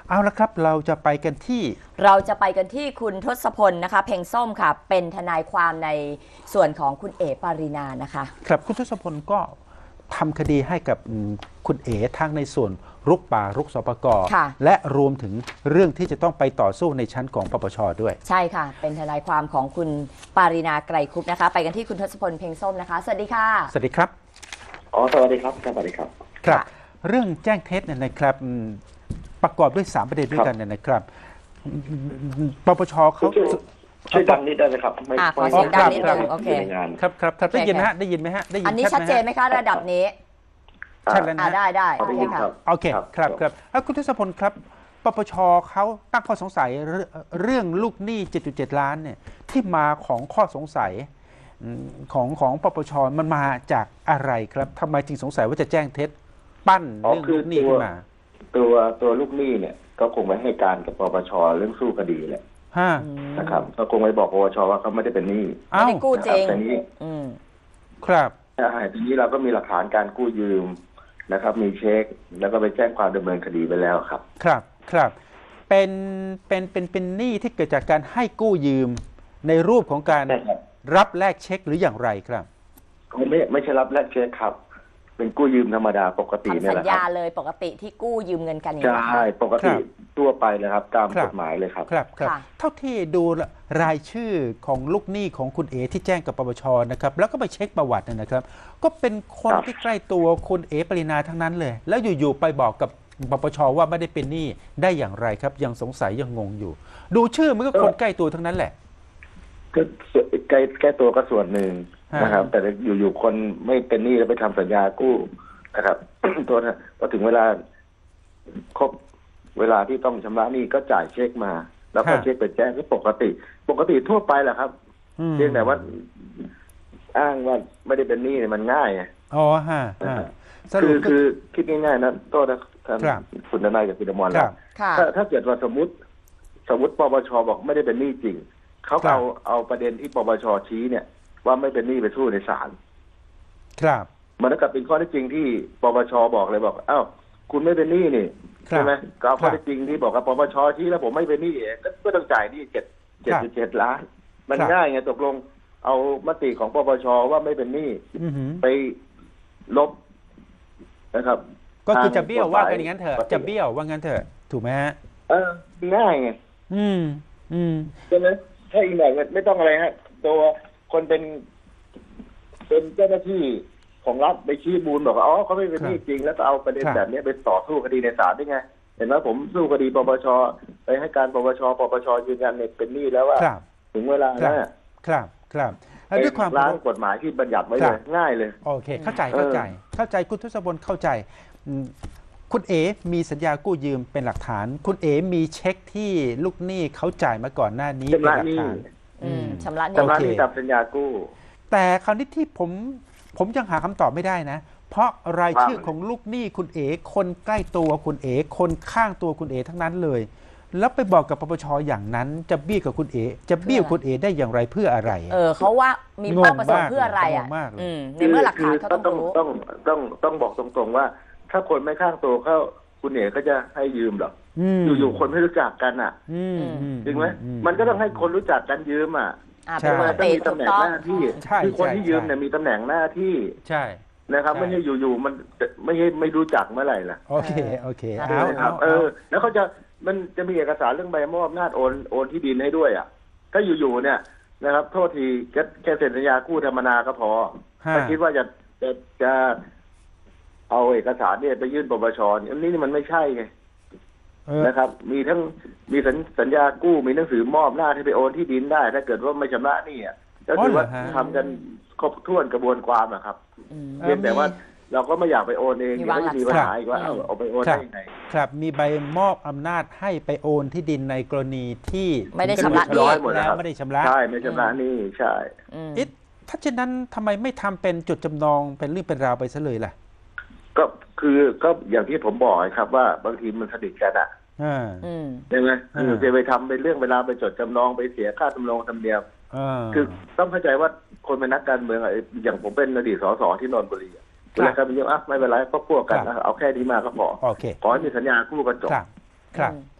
เอาละครับเราจะไปกันที่คุณทศพลนะคะเพ็งส้มค่ะเป็นทนายความในส่วนของคุณเอ๋ปารินานะคะครับคุณทศพลก็ทำคดีให้กับคุณเอ๋ทั้งในส่วนรุกป่ารุกสปก.และรวมถึงเรื่องที่จะต้องไปต่อสู้ในชั้นของปปช.ด้วยใช่ค่ะเป็นทนายความของคุณปารินาไกรคุปนะคะไปกันที่คุณทศพลเพ็งส้มนะคะสวัสดีค่ะสวัสดีครับสวัสดีครับสวัสดีครับครับเรื่องแจ้งเท็จเนี่ยนะครับประกอบด้วย3ประเด็นด้วยกันเนี่ยนะครับปปช.เขาช่วยดังนิดได้ไหมครับขอเสียงดังนิดนึงโอเคครับได้ยินไหมฮะได้ยินไหมฮะได้ยินอันนี้ชัดเจนไหมคะระดับนี้ชัดแล้วนะได้โอเคค่ะโอเคครับแล้วคุณทศพลครับปปช.เขาตั้งข้อสงสัยเรื่องลูกหนี้ 7.7 ล้านเนี่ยที่มาของข้อสงสัยของปปช.มันมาจากอะไรครับทำไมจึงสงสัยว่าจะแจ้งเท็จปั้นเรื่องลูกหนี้ขึ้นมาตัวลูกหนี้เนี่ยก็คงไปให้การกับปปช.เรื่องสู้คดีแหละนะครับก็คงไปบอกปปช.ว่าเขาไม่ได้เป็นหนี้ไม่ได้กู้จริงแต่นี้ครับทีนี้เราก็มีหลักฐานการกู้ยืมนะครับมีเช็คแล้วก็ไปแจ้งความดำเนินคดีไปแล้วครับครับเป็นหนี้ที่เกิดจากการให้กู้ยืมในรูปของการรับแลกเช็คหรืออย่างไรครับไม่ใช่รับแลกเช็คครับเป็นกู้ยืมธรรมดาปกติเนี่ยแหละทำสัญญาเลยปกติที่กู้ยืมเงินกันอย่างนี้ใช่ปกติทั่วไปเลยครับตามกฎหมายเลยครับเท่าที่ดูรายชื่อของลูกหนี้ของคุณเอ๋ที่แจ้งกับปปช.นะครับแล้วก็ไปเช็คประวัตินะครับก็เป็นคนที่ใกล้ตัวคุณเอ๋ปรินาทั้งนั้นเลยแล้วอยู่ๆไปบอกกับปปช.ว่าไม่ได้เป็นหนี้ได้อย่างไรครับยังสงสัยยังงงอยู่ดูชื่อมันก็คนใกล้ตัวทั้งนั้นแหละก็ใกล้ตัวก็ส่วนหนึ่งนะครับแต่อยู่คนไม่เป็นหนี้แล้วไปทำสัญญากู้นะครับตัวพอถึงเวลาครบเวลาที่ต้องชำระหนี้ก็จ่ายเช็คมาแล้วก็เช็คไปแจ้งก็ปกติทั่วไปแหละครับเพียงแต่ว่าอ้างว่าไม่ได้เป็นหนี้เนี่ยมันง่ายไงคือคิดง่ายๆนะโทษนะท่านคุณนายกับคุณอมรแล้วถ้าเกิดว่าสมมติปปช.บอกไม่ได้เป็นหนี้จริงเขาเอาประเด็นที่ปปช.ชี้เนี่ยว่าไม่เป็นหนี้ไปสู้ในศาลครับมันก็เป็นข้อเท็จจริงที่ปปช.บอกเลยบอกอ้าวคุณไม่เป็นหนี้นี่ใช่ไหมก็เอาข้อเท็จจริงที่บอกกับปปช.ชี้แล้วผมไม่เป็นหนี้ก็ต้องจ่ายหนี้7.7 ล้านมันง่ายไงตกลงเอามติของปปช.ว่าไม่เป็นหนี้ไปลบนะครับก็คือจะเบี้ยวว่ากันอย่างนั้นเถอะจะเบี้ยวว่างั้นเถอะถูกไหมฮะง่ายไงใช่ไหมถ้าอีกหน่อยไม่ต้องอะไรฮะตัวคนเป็นเจ้าหน้าที่ของรัฐไปชี้มูลบอกว่าเขาไม่เป็นหนี้จริงแล้วก็เอาประเด็นแบบนี้ไปต่อสู้คดีในศาลได้ไงเห็นไหมผมสู้คดีปปช.ไปให้การปปช.ยืนยันเนี่ยเป็นหนี้แล้วว่าถึงเวลาแล้วครับด้วยความล้างกฎหมายที่บัญญัติไว้เลยง่ายเลยโอเคเข้าใจคุณทศพลเข้าใจคุณเอ๋มีสัญญากู้ยืมเป็นหลักฐานคุณเอ๋มีเช็คที่ลูกหนี้เขาจ่ายมาก่อนหน้านี้เป็นหลักฐานชำระหนี้ตามสัญญากู้แต่คราวนี้ที่ผมยังหาคำตอบไม่ได้นะเพราะรายชื่อของลูกหนี้คุณเอ๋คนใกล้ตัวคุณเอ๋คนข้างตัวคุณเอ๋ทั้งนั้นเลยแล้วไปบอกกับปปช.อย่างนั้นจะเบี้ยวกับคุณเอ๋จะเบี้ยวคุณเอ๋ได้อย่างไรเพื่ออะไรเขาว่ามีเป้าประสงค์เพื่ออะไรในเมื่อหลักฐานเขาต้องรู้ต้องบอกตรงๆว่าถ้าคนไม่ข้างตัวเขาคุณเอ๋ก็จะให้ยืมหรออยู่ๆคนไม่รู้จักกันจริงไหมมันก็ต้องให้คนรู้จักกันยืมต้องมีตำแหน่งหน้าที่คือคนที่ยืมเนี่ยมีตำแหน่งหน้าที่ใช่นะครับไม่ใช่อยู่ๆมันไม่รู้จักเมื่อไหร่ล่ะโอเคแล้วเขามันจะมีเอกสารเรื่องใบมอบอำนาจโอนที่ดินให้ด้วยถ้าอยู่ๆเนี่ยนะครับโทษทีแค่เซ็นสัญญากู้ธรรมนาก็พอถ้าคิดว่าจะเอาเอกสารเนี่ยไปยื่นปปช.อันนี้มันไม่ใช่ไงนะครับมีสัญญากู้มีหนังสือมอบหน้าที่ไปโอนที่ดินได้ถ้าเกิดว่าไม่ชำระนี่ก็คือว่าทำกันครบถ้วนกระบวนความครับเพียงแต่ว่าเราก็ไม่อยากไปโอนเองก็จะมีปัญหาอีกว่าเอาไปโอนได้ยังไงครับมีใบมอบอำนาจให้ไปโอนที่ดินในกรณีที่ไม่ได้ชำระหนี้แล้วไม่ได้ชำระใช่ไม่ชำระหนี้ใช่ถ้าเช่นนั้นทำไมไม่ทำเป็นจดจำนองเป็นเรื่องเป็นราวไปซะเลยล่ะก็อย่างที่ผมบอกครับว่าบางทีมันสนิทกันใช่ไหมจะไปทำเป็นเรื่องเวลาไปจดจำนองไปเสียค่าจำนองธรรมเนียมคือต้องเข้าใจว่าคนเป็นนักการเมืองอย่างผมเป็นอดีตสสที่นนทบุรีเวลาการเมืองไม่เป็นไรก็พวกกันเอาแค่นี้มาก็พอขอให้มีสัญญากู้กันจบครับ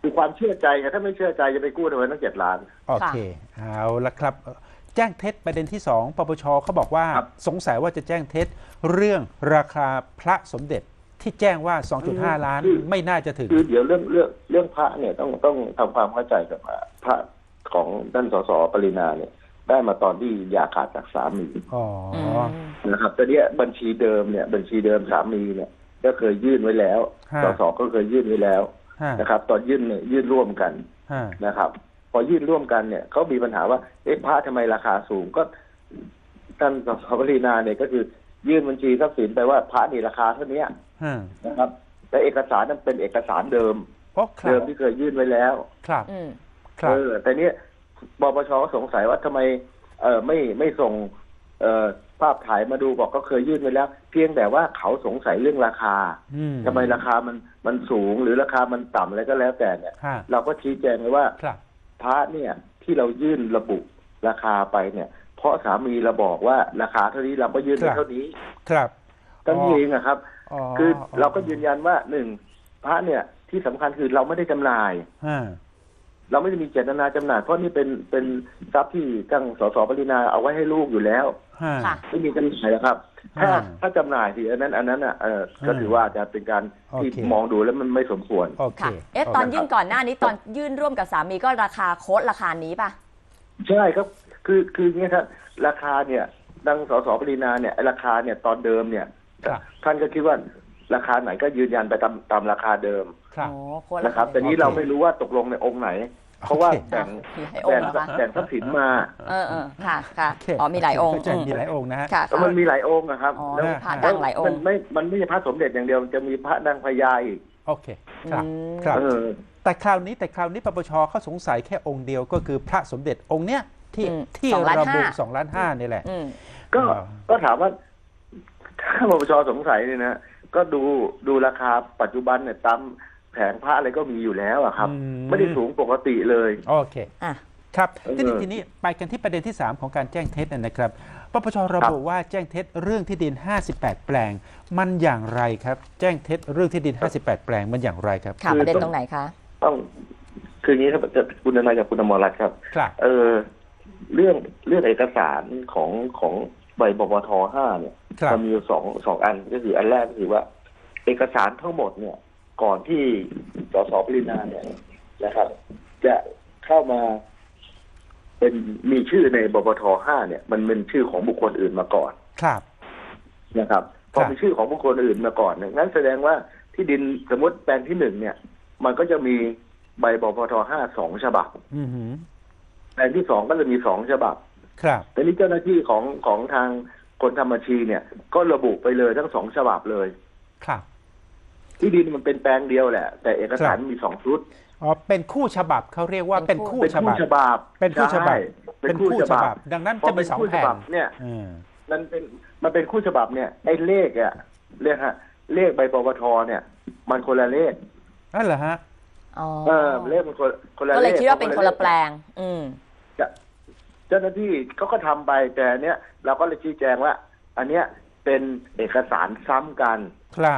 คือความเชื่อใจไงถ้าไม่เชื่อใจจะไปกู้ทำไมตั้ง7 ล้านโอเค เอาละครับ แจ้งเท็จประเด็นที่ 2ปปชเขาบอกว่าครับสงสัยว่าจะแจ้งเท็จเรื่องราคาพระสมเด็จที่แจ้งว่า 2.5 ล้านไม่น่าจะถึงคือเดี๋ยวเรื่องพระเนี่ยต้องทำความเข้าใจกับพระของท่านสสปรินาเนี่ยได้มาตอนที่หย่าขาดจากสามีอ๋อนะครับแต่เนี้ยบัญชีเดิมสามีเนี่ยก็เคยยื่นไว้แล้วฮะสสก็เคยยื่นไว้แล้วฮะนะครับ ตอนยื่นเนี่ยยื่นร่วมกันฮะนะครับ พอยื่นร่วมกันเนี่ยเขามีปัญหาว่าพระทำไมราคาสูงก็ท่านสสปรินาเนี่ยก็คือยื่นบัญชีทรัพย์สินไปว่าพระนี่ราคาเท่านี้ฮะนะครับแต่เอกสารนั้นเป็นเอกสารเดิมเพราะครัเดิบมที่เคยยื่นไว้แล้วครับอืมครับแต่เนี้ยปปชก็สงสัยว่าทำไมไม่ส่งภาพถ่ายมาดูบอกก็เคยยื่นไว้แล้ว เพียงแต่ว่าเขาสงสัยเรื่องราคาอืมทำไมราคามันสูงหรือราคามันต่ำอะไรก็แล้วแต่เนี่ยฮะเราก็ชี้แจงไว้ว่าครับพระเนี่ยที่เรายื่นระบุราคาไปเนี่ย เพราะสามีเราบอกว่าราคาเท่านี้เราก็ยื่นไปเท่านี้ครับตั้งเองอะครับอ๋อคือเราก็ยืนยันว่าหนึ่งพระเนี่ยที่สำคัญคือเราไม่ได้จำหน่ายฮะเราไม่ได้มีเจตนาจำหน่ายเพราะนี่เป็นทรัพย์ที่ตั้งสสปรินาเอาไว้ให้ลูกอยู่แล้วฮะค่ะไม่มีจำหน่ายนะครับ ถ้าจำหน่ายสิอันนั้นอ่ะก็ถือว่าจะเป็นการที่โอเคมองดูแล้วมันไม่สมควรโอเคค่ะ ตอนยื่นก่อนหน้านี้ตอนยื่นร่วมกับสามีก็ราคาโค้ดราคานี้ป่ะใช่ครับคืออย่างเงี้ยครับราคาเนี่ยดังสสปรินาเนี่ยราคาเนี่ยตอนเดิมเนี่ยครับท่านก็คิดว่าราคาไหนก็ยืนยันไปตามราคาเดิมครับโอ้โค้ดนะครับ แต่นี้โอเคเราไม่รู้ว่าตกลงในองค์ไหน เพราะว่าโอเคแบ่งมีหลายองค์เหรอคะแบ่งทรัพย์สินมาค่ะ ค่ะโอเคอ๋อ มีหลายองค์เข้าใจมีหลายองค์นะฮะค่ะแล้วมันมีหลายองค์นะครับอ๋อแล้วมีพระดังหลายองค์มันไม่ใช่พระสมเด็จอย่างเดียวมันจะมีพระดังพญาอีกโอเค ครับอืมครับเออแต่คราวนี้ปปชเขาสงสัยแค่องค์เดียวก็คือพระสมเด็จองค์เนี้ยที่อืมที่ 2.5 ระบุ2.5 ล้านนี่แหละอืมก็ถามว่าถ้าปปชสงสัยเนี่ยนะก็ดูราคาปัจจุบันเนี่ยตามแผงพระอะไรก็มีอยู่แล้วอะครับอืมไม่ได้สูงปกติเลยโอเคอ่ะครับเออทีนี้ไปกันที่ประเด็นที่ 3 ของการแจ้งเท็จนะครับปปชระบุว่าแจ้งเท็จเรื่องที่ดิน 58 แปลง มันอย่างไรครับ แจ้งเท็จเรื่องที่ดิน 58 แปลงมันอย่างไรครับค่ะ ประเด็นตรงไหนคะต้องคืออย่างนี้ครับคุณนายกับคุณอมรรัตน์ครับครับเรื่องเอกสารของใบบปท5เนี่ยครับมันมีอยู่สองอันก็คืออันแรกก็คือว่า เอกสารทั้งหมดเนี่ย ก่อนที่สสปรินาเนี่ยนะครับ จะเข้ามาเป็นมีชื่อในบปท5เนี่ย มันเป็นชื่อของบุคคลอื่นมาก่อนครับนะครับพอมีชื่อของบุคคลอื่นมาก่อนเนี่ยงั้นแสดงว่าที่ดินสมมติแปลงที่ 1เนี่ย มันก็จะมีใบบปท5 2 ฉบับอือหือแปลงที่ 2ก็จะมี2 ฉบับครับแต่นี้เจ้าหน้าที่ของทางคนทำบัญชีเนี่ย ก็ระบุไปเลยทั้ง2 ฉบับเลยครับที่ดินมันเป็นแปลงเดียวแหละ แต่เอกสารครับมี2 ชุดอ๋อเป็นคู่ฉบับเขาเรียกว่าเป็นคู่เป็นฉคู่บับฉบับเป็นคู่ฉบับใช่เป็นคู่ฉบับดังนั้นพอจะเป็มีนสองคู่ฉแผ่นบับเนี่ยอืมมันเป็นคู่ฉบับเนี่ยไอ้เลขอะเรียกฮะเลขใบปปทเนี่ย มันคนละเลขนั่นเหรอฮะอ๋อเลขมันคนละเลขก็เลยคิดว่าเป็นคนละแปลง อืมเจ้าหน้าที่เขาก็ทำไปแต่เนี้ยเราก็เลยชี้แจงว่า อันเนี้ยเป็นเอกสารซ้ำกันครับ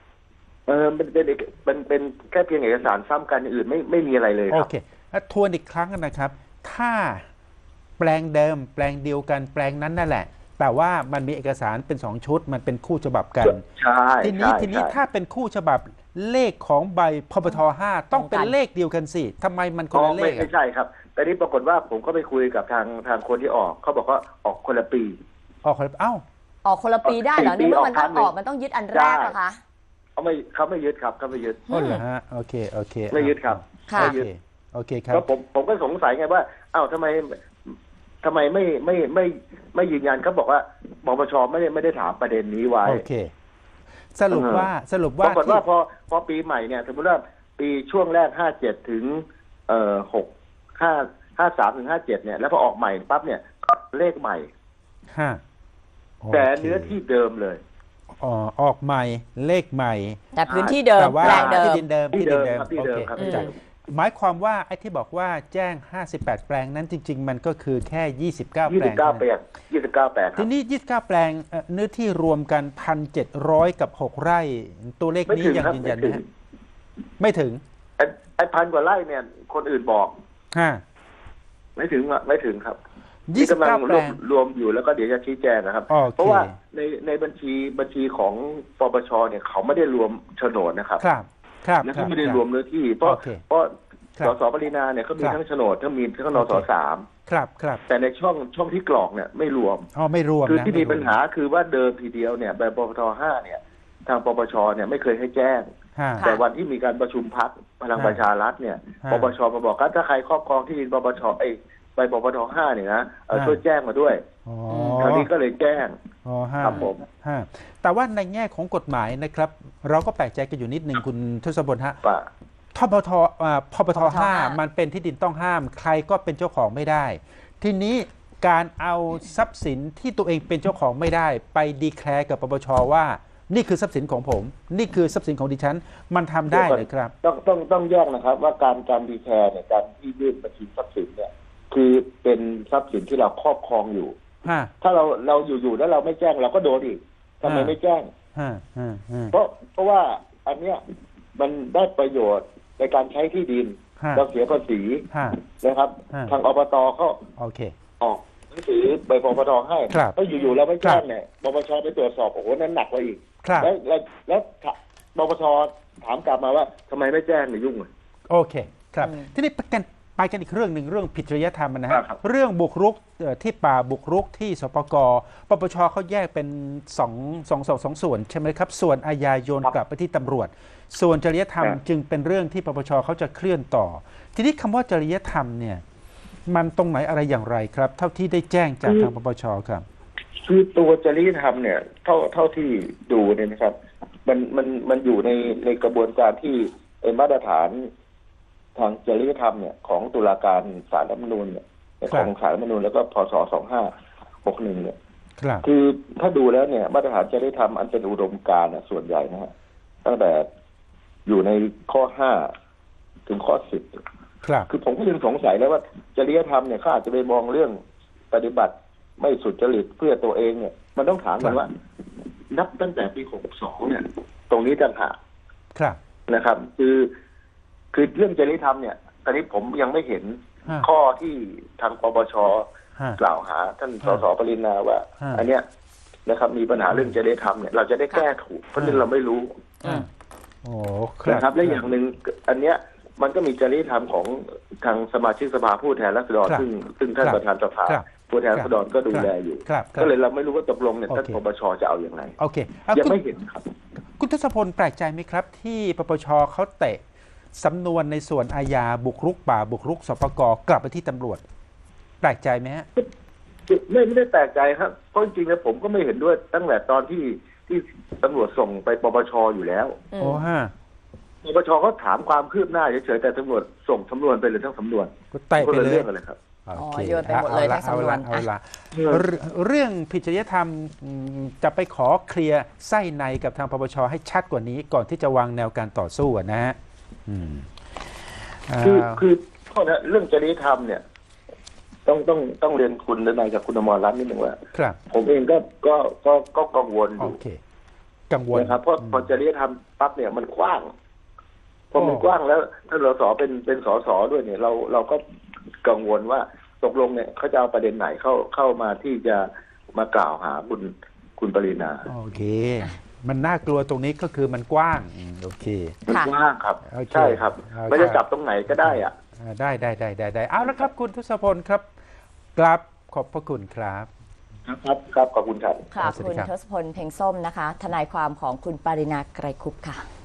เป็นแค่เพียงเอกสารซ้ำกันอย่างอื่นไม่มีอะไรเลยคโอรับเคทวนอีกครั้งนะครับ ถ้าแปลงเดิมแปลงเดียวกันแปลงนั้นนั่นแหละ แต่ว่ามันมีเอกสารเป็น2 ชุดมันเป็นคู่ฉบับกันใช่ทีนี้ใช่ทีนี้ใช่ถ้าเป็นคู่ฉบับเลขของใบพปท5ต้องเป็นเลขเดียวกันสิทำไมมันคนละเลขไม่ใช่ครับ แต่นี้ปรากฏว่าผมก็ไปคุยกับทางคนที่ออกเขาบอกว่าออกคนละปีออกคนละเอ้าออกคนละปีได้เหรอปีในเมื่อมันออกครั้ต้องงหนึ่อง อกมันต้องยึดอันแรกนะคะเขาไม่ยึดครับเขาไม่ยึดอ๋อเหรอฮะโอเคโอเคไม่ยึดครับค่ะโอไม่เคยึดโอเคครับแล้วผมก็สงสัยไงว่าอ้าวทำไมไม่ยืนยันเขาบอกว่าปปชไม่ได้ถามประเด็นนี้ไว้โอเค สรุปว่าปรากฏว่าที่พอปีใหม่เนี่ยสมมติว่าปีช่วงแรก57ถึง53ถึง57เนี่ยแล้วพอออกใหม่ปั๊บเนี่ยก็เลขใหม่ห้าแต่เนื้อที่เดิมเลยอ๋อออกใหม่เลขใหม่แต่พื้นที่เดิมแต่ว่าแปลงเดิที่มดินเดิมที่ที่ดินเดิมเดิมครับที่โอเดิมเคครับเข้าใจหมายความว่าไอ้ที่บอกว่าแจ้ง 58 แปลงนั้นจริง ๆ มันก็คือแค่ 29 แปลง 29 แปลง29 แปลงคทีรับนี้ 29 แปลงเนื้อที่รวมกัน 1,700 กับ 6 ไร่ ตัวเลขไม่นี้ถึงยังครับยืนยันไม่ไหมถึงฮะไม่ถึง 1,000 กว่าไร่เนี่ยคนอื่นบอกฮะไม่ถึงครับยี่สิบกำลัเก้าง แปลงรวมอยู่แล้วก็เดี๋ยวจะชี้แจงนะครับโอเคเพราะว่าในบัญชีของปปชเนี่ยเขาไม่ได้รวมโฉนดนะครับครับครับและคเขาบไม่ได้รวมเนื้อที่เพราะโอเคเพราะครับสสปรินาเนี่ยเขามีครับทั้งโฉนดทั้งมีทั้งนสสามครับครับแต่ในช่องที่กรอกเนี่ยไม่รวมอ๋อไม่รวมคือนะที่ไรวมีปัญหาคือว่าเดิมทีเดียวเนี่ยแบบปปท5เนี่ยทางปปชเนี่ยไม่เคยให้แจ้งฮะแต่วันที่มีการประชุมพักพลังประชารัฐเนี่ยฮะปปชมาบอกว่าถ้าใครครอบครองที่ดินปปชไปปปท5เนี่ยนะฮะช่วยแจ้งมาด้วยอ๋อคราวนี้ก็เลยแจ้งอ๋อฮะครับผมฮะแต่ว่าในแง่ของกฎหมายนะครับ เราก็แปลกใจกันอยู่นิดหนึ่งคุณทศพลฮะว่าพปทพปท5มันเป็นที่ดินต้องห้าม ใครก็เป็นเจ้าของไม่ได้ ทีนี้การเอาทรัพย์สินที่ตัวเองเป็นเจ้าของไม่ได้ ไปดีแคลร์กับปปชว่า นี่คือทรัพย์สินของผม นี่คือทรัพย์สินของดิฉัน มันทำได้เลยครับต้องแยกนะครับ ว่าการดีแคร์เนี่ยการที่ยื่นบัญชีทรัพย์สินเนี่ยคือเป็นทรัพย์สินที่เราครอบครองอยู่ฮะถ้าเราอยู่แล้วเราไม่แจ้งเราก็โดนอีกทำไมไม่แจ้งฮะฮะฮะเพราะว่าอันเนี้ยมันได้ประโยชน์ในการใช้ที่ดินฮะเราเสียภาษีฮะนะครับฮะทางอบตเขาโอเคออกหนังสือใบปปทให้ครับถ้าอยู่ๆเราไม่แจ้งครับเนี่ยปปชไปตรวจสอบโอ้โหนั้นหนักกว่าอีกครับแล้วปปชถามกลับมาว่าทำไมไม่แจ้งเนี่ยยุ่งเลยโอเคครับอืมทีนี้ไปกันอีกเรื่องหนึ่งเรื่องผิดจริยธรรมนะฮะครับเรื่องบุกรุกที่ป่าบุกรุกที่สปกปปชเขาแยกเป็นสองส่วนใช่ไหมครับ ส่วนอาญาโยนกลับไปที่ตำรวจ ส่วนจริยธรรมจึงเป็นเรื่องที่ปปชเขาจะเคลื่อนต่อ ทีนี้คำว่าจริยธรรมเนี่ยมันตรงไหนอะไรอย่างไรครับ เท่าที่ได้แจ้งจากทางปปชครับคือตัวจริยธรรมเนี่ยเท่าที่ดูเนี่ยนะครับ มันอยู่ในกระบวนการที่มาตรฐานทางจริยธรรมเนี่ยของตุลาการศาลรัฐธรรมนูญเนี่ยครับของศาลรัฐธรรมนูญแล้วก็พศ2561เนี่ยครับคือถ้าดูแล้วเนี่ยมาตรฐานจริยธรรมอันเป็นอุดมการณ์ส่วนใหญ่นะฮะตั้งแต่อยู่ในข้อ5ถึงข้อ10 ครับคือผมก็ยังสงสัยแล้วว่าจริยธรรมเนี่ยเขาอาจจะไปมองเรื่องปฏิบัติไม่สุจริตเพื่อตัวเองเนี่ยมันต้องถามกันว่า นับตั้งแต่ปี62เนี่ย ตรงนี้ต่างหากครับนะครับ คือเรื่องจริยธรรมเนี่ยตอนนี้ผมยังไม่เห็นฮะข้อที่ทางปปชฮะกล่าวหาท่านสสปรินาว่าฮะอันเนี้ยนะครับ มีปัญหาเรื่องจริยธรรมเนี่ยเราจะได้แก้ถูกเพราะฉะนั้นเราไม่รู้อืมโอ้คนะครับและอย่างหนึ่งอันเนี้ยมันก็มีจริยธรรมของทางสมาชิกสภาผู้แทนราษฎรครับซึ่งท่านครับประธานสภาครับผู้แทนราษฎรก็ดูแลอยู่ครับครับก็เลยเราไม่รู้ว่าตกลงเนี่ยโอเคท่านปปชจะเอาอย่างไรโอเคเอายังคุณไม่เห็นครับคุณทศพลแปลกใจไหมครับ ที่ปปชเขาเตะสำนวนในส่วนอาญาบุกรุกป่าบุกรุกสปกกลับไปที่ตำรวจ แปลกใจไหมฮะไม่ได้แปลกใจครับเพราะจริงๆแล้วผมก็ไม่เห็นด้วยตั้งแต่ตอนที่ตำรวจส่งไปปปชอยู่แล้วอืมโอ้ฮะปปชเขาถามความคืบหน้าเฉยๆแต่ตำรวจส่งสำนวนไปเลยทั้งสำนวนก็เตะคนไปละเลเรื่ยองกันเลยครับโอเคโยนไปหมดเลยทั้งสำนวนเอาละเรื่องผิดจริยธรรมจะไปขอเคลียร์ไส้ในกับทางปปชให้ชัดกว่านี้ก่อนที่จะวางแนวการต่อสู้อะนะฮะอืมคือข้อนั้นเรื่องจริยธรรมเนี่ย ต้องเรียนคุณนายกับคุณอมรรัตน์นิดหนึ่งว่าครับผมเองก็กังวลอโอยู่ เค กังวลนะครับเพราะพอจริยธรรมปั๊บเนี่ยมันกว้างพอมันกว้างแล้วถ้าสสเป็นสสด้วยเนี่ยเราก็กังวลว่าตกลงเนี่ยเขาจะเอาประเด็นไหนเข้ามาที่จะมากล่าวหาคุณปรินาโอเค มันน่ากลัวตรงนี้ก็คือมันกว้างโอเคมันค่ะกว้างครับโอเคใช่ครับโอเคไม่ได้จับตรงไหนก็ได้อ่ะได้เอาละครับคุณทศพลครับกราบขอบพระคุณครับครับขอบคุณครับค่ะสวัสดีคุณครับทศพลเพ็งส้มนะคะ ทนายความของคุณปรินาไกรคุปต์ค่ะ